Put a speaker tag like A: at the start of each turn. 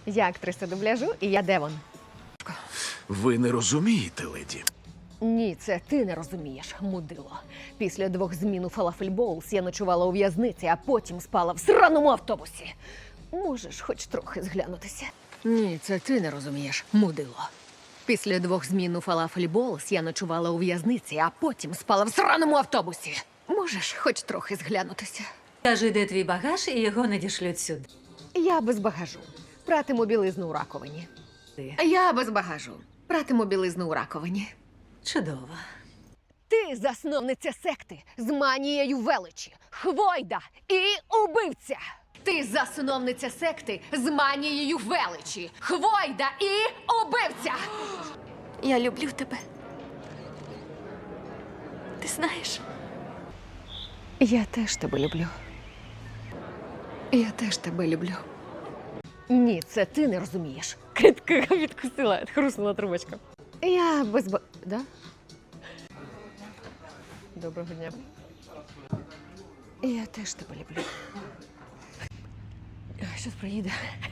A: Я актриса дубляжу, і я Девон.
B: Ви не розумієте, леді.
A: Ні, це ти не розумієш, мудило. Після 2 змін у Falafel Bowls я ночувала у в'язниці, а потім спала в сраному автобусі. Можеш хоч трохи зглянутися? Ні, це ти не розумієш, мудило. Після 2 змін у Falafel Bowls я ночувала у в'язниці, а потім спала в сраному автобусі. Можеш хоч трохи зглянутися?
C: Кажи, де твій багаж, і його надішлють сюди.
A: Я без багажу. Пратиму білизну у раковині.
C: Ти.
A: Я без багажу. Пратиму білизну у раковині.
C: Чудово.
A: Ти засновниця секти з манією величі, хвойда і убивця. Ти засновниця секти з манією величі, хвойда і убивця.
D: Я люблю тебе. Ти знаєш?
A: Я теж тебе люблю. Я теж тебе люблю. Ні, це ти не розумієш. Китка відкусила, хруснула трубочка. Я без Да? Доброго дня. Я теж тебе люблю. Щось приїде.